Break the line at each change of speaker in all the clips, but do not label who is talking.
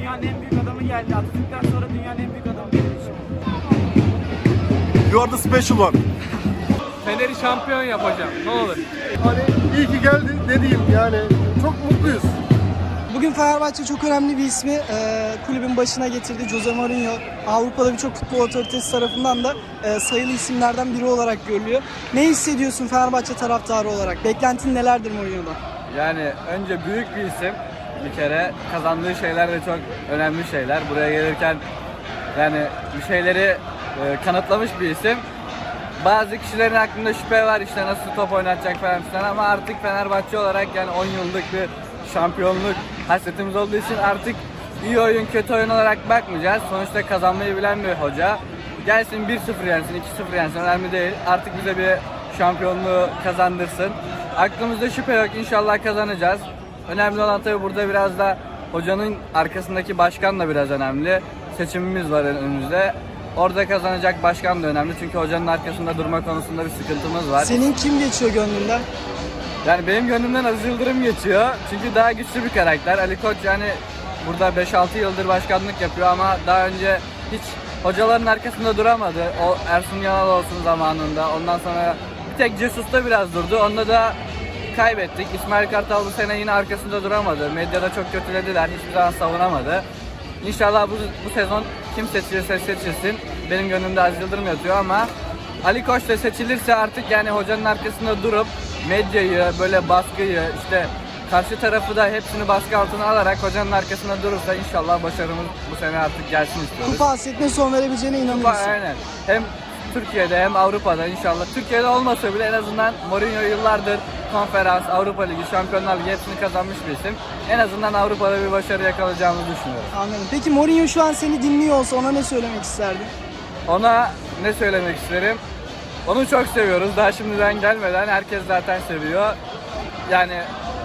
dünyanın en büyük adamı geldi. Atatürk'ten sonra dünyanın en büyük adamı benim için.
You are the special one.
Fener'i şampiyon yapacağım. Ne olur.
Hani iyi ki geldi dediğim yani çok mutluyuz.
Bugün Fenerbahçe çok önemli bir ismi kulübün başına getirdi. Jose Mourinho Avrupa'da birçok futbol otoritesi tarafından da sayılı isimlerden biri olarak görülüyor. Ne hissediyorsun Fenerbahçe taraftarı olarak? Beklentin nelerdir Mourinho'dan?
Yani önce büyük bir isim bir kere. Kazandığı şeyler de çok önemli şeyler. Buraya gelirken yani bir şeyleri kanıtlamış bir isim. Bazı kişilerin aklında şüphe var işte nasıl top oynatacak falan filan ama artık Fenerbahçe olarak yani 10 yıllık bir şampiyonluk hasretimiz olduğu için artık iyi oyun kötü oyun olarak bakmayacağız. Sonuçta kazanmayı bilen bir hoca. Gelsin 1-0 yensin, 2-0 yensin önemli değil. Artık bize bir şampiyonluğu kazandırsın. Aklımızda şüphe yok, inşallah kazanacağız. Önemli olan tabii burada biraz da hocanın arkasındaki başkan da biraz önemli. Seçimimiz var önümüzde. Orada kazanacak başkan da önemli çünkü hocanın arkasında durma konusunda bir sıkıntımız var.
Senin kim geçiyor gönlünden?
Yani benim gönlümden Aziz Yıldırım geçiyor. Çünkü daha güçlü bir karakter. Ali Koç yani burada 5-6 yıldır başkanlık yapıyor ama daha önce hiç hocaların arkasında duramadı. O Ersun Yanal olsun zamanında. Ondan sonra bir tek Cesus'ta biraz durdu. Onda da kaybettik. İsmail Kartal bu sene yine arkasında duramadı. Medyada çok kötülediler. Hiçbir zaman savunamadı. İnşallah bu sezon kim seçilirse seçilsin. Benim gönlümde Aziz Yıldırım yatıyor ama Ali Koç da seçilirse artık yani hocanın arkasında durup medyayı, böyle baskıyı, işte karşı tarafı da hepsini baskı altına alarak hocanın arkasında durursa inşallah başarımız bu sene artık gelsin istiyoruz.
Kupa hasretine son verebileceğine inanıyorsun.
Aynen. Hem Türkiye'de hem Avrupa'da inşallah. Türkiye'de olmasa bile en azından Mourinho yıllardır Konferans, Avrupa Ligi, Şampiyonlar Ligi hepsini kazanmış bir isim. En azından Avrupa'da bir başarı yakalayacağımızı düşünüyorum.
Anladım. Peki Mourinho şu an seni dinliyor olsa ona ne söylemek isterdin?
Ona ne söylemek isterim? Onu çok seviyoruz. Daha şimdiden gelmeden herkes zaten seviyor. Yani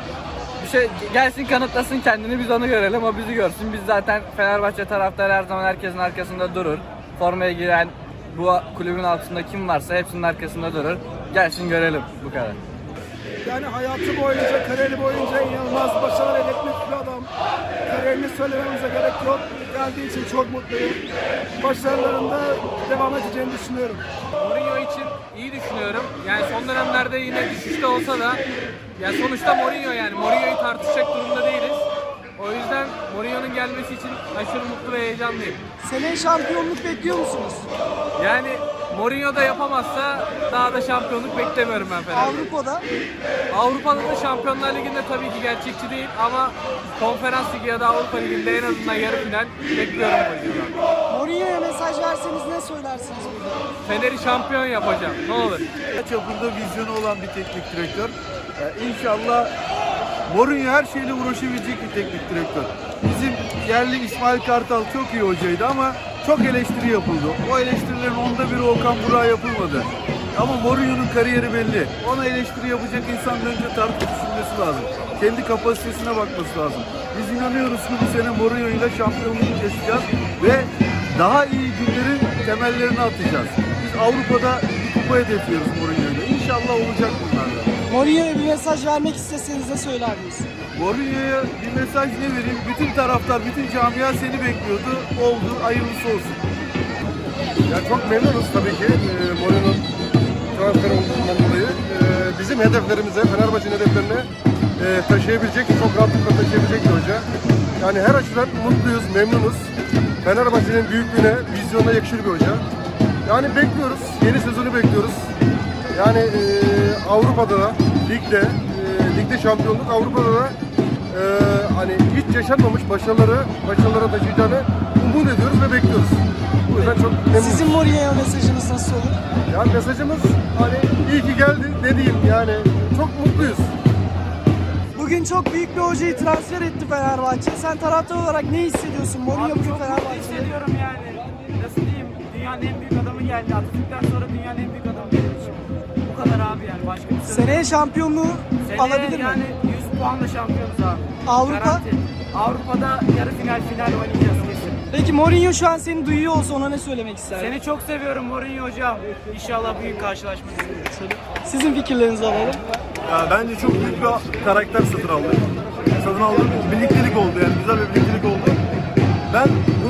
bir şey gelsin kanıtlasın kendini biz onu görelim o bizi görsün. Biz zaten Fenerbahçe taraftarı her zaman herkesin arkasında durur. Formaya giren bu kulübün altında kim varsa hepsinin arkasında durur. Gelsin görelim bu kadar.
Yani hayatı boyunca, kariyeri boyunca inanılmaz başarılar elde etmiş bir adam. Kariyerini söylememize gerek yok. Geldiği için çok mutluyum. Başarılarında devam edeceğini düşünüyorum.
Mourinho için iyi düşünüyorum. Yani son dönemlerde yine düşüşte olsa da ya sonuçta Mourinho yani. Mourinho'yu tartışacak durumda değiliz. O yüzden Mourinho'nun gelmesi için aşırı mutlu ve heyecanlıyım.
Seneye şampiyonluk bekliyor musunuz?
Yani Mourinho da yapamazsa daha da şampiyonluk beklemiyorum ben Fener'de.
Avrupa'da
Avrupa'da da Şampiyonlar Ligi'nde tabii ki gerçekçi değil ama Konferans Ligi ya da Avrupa Ligi'nde en azından yarı final bekliyorum Mourinho'dan.
Mourinho'ya mesaj verseniz ne söylersiniz burada?
Fener'i şampiyon yapacağım. Ne olur.
Çapında vizyonu olan bir teknik direktör. İnşallah Mourinho her şeyle uğraşabilecek bir teknik direktör. Bizim yerli İsmail Kartal çok iyi hocaydı ama çok eleştiri yapıldı. O eleştirilerin onda biri Okan Burak'a yapılmadı. Ama Mourinho'nun kariyeri belli. Ona eleştiri yapacak insanın önce tartıp düşünmesi lazım. Kendi kapasitesine bakması lazım. Biz inanıyoruz ki bu sene Mourinho ile şampiyonluğu yaşayacağız ve daha iyi günlerin temellerini atacağız. Biz Avrupa'da bir kupa hedefliyoruz Mourinho ile. İnşallah olacak bunlar da.
Mourinho'ya bir mesaj vermek isteseniz ne söylerdiniz?
Mourinho'ya bir mesaj ne vereyim? Bütün taraftar, bütün camia seni bekliyordu. Oldu, hayırlısı olsun.
Ya çok memnunuz tabii ki Mourinho'nun transfer olduğundan dolayı. Bizim hedeflerimize, Fenerbahçe'nin hedeflerine taşıyabilecek, çok rahatlıkla taşıyabilecek bir hoca. Yani her açıdan mutluyuz, memnunuz. Fenerbahçe'nin büyüklüğüne, vizyonuna yakışır bir hoca. Yani bekliyoruz, yeni sezonu bekliyoruz. Yani Avrupa'da da, ligde şampiyonluk, Avrupa'da da hani hiç yaşanmamış başarılara taşıyacağını umut ediyoruz ve bekliyoruz. Bu yüzden çok memnunuz.
Sizin Mourinho'ya mesajınız nasıl olur?
Yani mesajımız hani iyi ki geldi dediğim yani çok mutluyuz.
Bugün çok büyük bir hocayı transfer etti Fenerbahçe. Sen taraftar olarak ne hissediyorsun? Mourinho
Abi
bugün
çok mutlu
Fenerbahçe'de.
hissediyorum yani. Nasıl diyeyim? Dünyanın en büyük adamı geldi. Atatürk'ten sonra dünyanın en büyük adamı benim için. Bu kadar abi yani. Başka bir söz yok.
Seneye şampiyonluğu alabilir mi?
Yani 100 puanla şampiyonuz abi.
Avrupa?
Garanti. Avrupa'da yarı final oynayacağız kesin.
Peki Mourinho şu an seni duyuyor olsa ona ne söylemek isterdin?
Seni çok seviyorum Mourinho hocam. İnşallah büyük karşılaşma.
Sizin fikirlerinizi alalım.
Ya bence çok büyük bir karakter satın aldık. Birliktelik oldu yani güzel bir birliktelik oldu.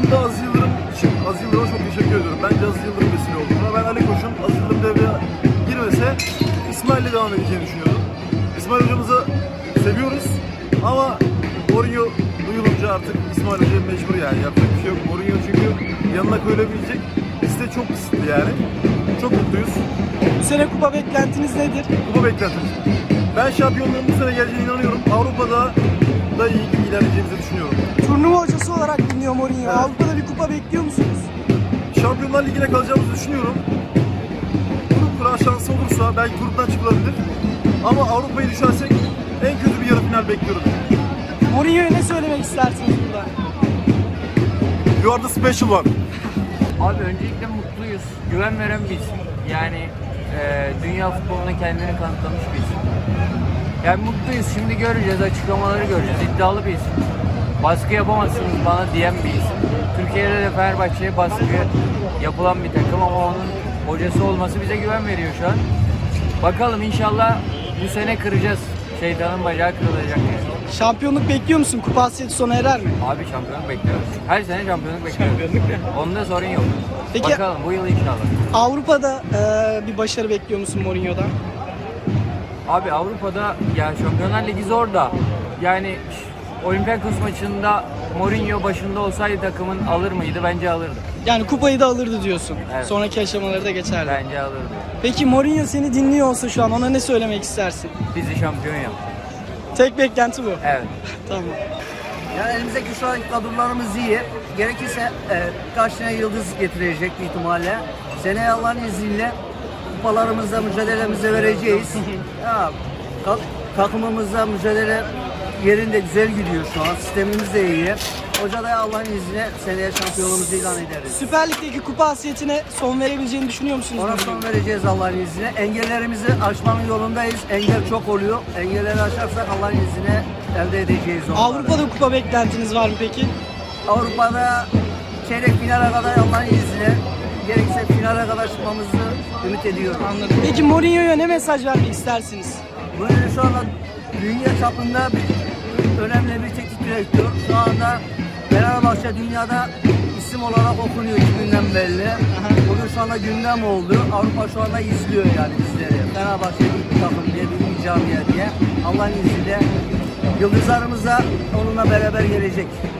aslında Aziz Yıldırım için Aziz Yıldırım'a çok teşekkür ediyorum. Bence Aziz Yıldırım vesile oldu. Ama ben Ali Koç'un Aziz Yıldırım devreye girmese İsmail'le devam edeceğini düşünüyordum. İsmail hocamızı seviyoruz ama Mourinho duyulunca artık İsmail Hoca'ya mecbur yani. Yapacak bir şey yok. Mourinho çünkü yanına koyulabilecek liste çok kısıtlı yani. Çok mutluyuz.
Bu sene kupa beklentiniz nedir?
Kupa beklentimiz. Ben şampiyonluğun bu sene geleceğine inanıyorum. Avrupa'da da iyi ilerleyeceğimizi düşünüyorum.
Turnuva hocası olarak biliniyor Mourinho.
Evet.
Avrupa'da bir kupa bekliyor musunuz?
Şampiyonlar Ligi'ne kalacağımızı düşünüyorum. Grup kura şansı olursa belki gruptan çıkılabilir. Ama Avrupa'yı düşersek en kötü bir yarı final bekliyorum.
Mourinho'ya ne söylemek istersiniz burada?
You are the special one.
Abi öncelikle mutluyuz. Güven veren bir isim. Yani dünya futboluna kendini kanıtlamış bir isim. Yani mutluyuz. Şimdi göreceğiz, açıklamaları göreceğiz. İddialı bir isim. Baskı yapamazsınız bana diyen bir isim. Türkiye'de de Fenerbahçe'ye baskı yapılan bir takım ama onun hocası olması bize güven veriyor şu an. Bakalım inşallah bu sene kıracağız. Şeytanın bacağı kırılacak yani.
Şampiyonluk bekliyor musun? Kupa hasreti sona erer mi?
Abi şampiyonluk bekliyoruz. Her sene şampiyonluk bekliyoruz. Onda sorun yok.
Peki-
Bakalım bu yıl inşallah.
Avrupa'da bir başarı bekliyor musun Mourinho'dan?
Abi Avrupa'da ya Şampiyonlar Ligi zor da yani Olympiakos maçında Mourinho başında olsaydı takımın alır mıydı? Bence alırdı.
Yani kupayı da alırdı diyorsun.
Evet.
Sonraki aşamaları da geçerdi.
Bence alırdı.
Peki Mourinho seni dinliyor olsa şu an ona ne söylemek istersin?
Bizi şampiyon yap.
Tek beklenti bu.
Evet.
Tamam.
Yani elimizdeki şu an kadrolarımız iyi. Gerekirse birkaç tane yıldız getirecek bir ihtimalle. Seneye Allah'ın izniyle kupalarımızda mücadelemize vereceğiz. Ya, takımımızda mücadele yerinde güzel gidiyor şu an. Sistemimiz de iyi. Hoca da Allah'ın izniyle seneye şampiyonluğumuzu ilan ederiz.
Süper Lig'deki kupa hasretine son verebileceğini düşünüyor musunuz?
Ona son vereceğiz Allah'ın izniyle. Engellerimizi aşmanın yolundayız. Engel çok oluyor. Engelleri aşarsak Allah'ın izniyle elde edeceğiz onları.
Avrupa'da kupa beklentiniz var mı peki?
Avrupa'da çeyrek finale kadar Allah'ın izniyle gerekirse finale kadar çıkmamızı ümit ediyorum.
Anladım. Peki Mourinho'ya ne mesaj vermek istersiniz?
Bu şu anda dünya çapında önemli bir teknik direktör. Şu anda Fenerbahçe dünyada isim olarak okunuyor 2 günden belli. Bugün şu anda gündem oldu. Avrupa şu anda izliyor yani bizleri. Fenerbahçe büyük bir takım diye, büyük bir camia diye. Allah'ın izniyle yıldızlarımız da onunla beraber gelecek.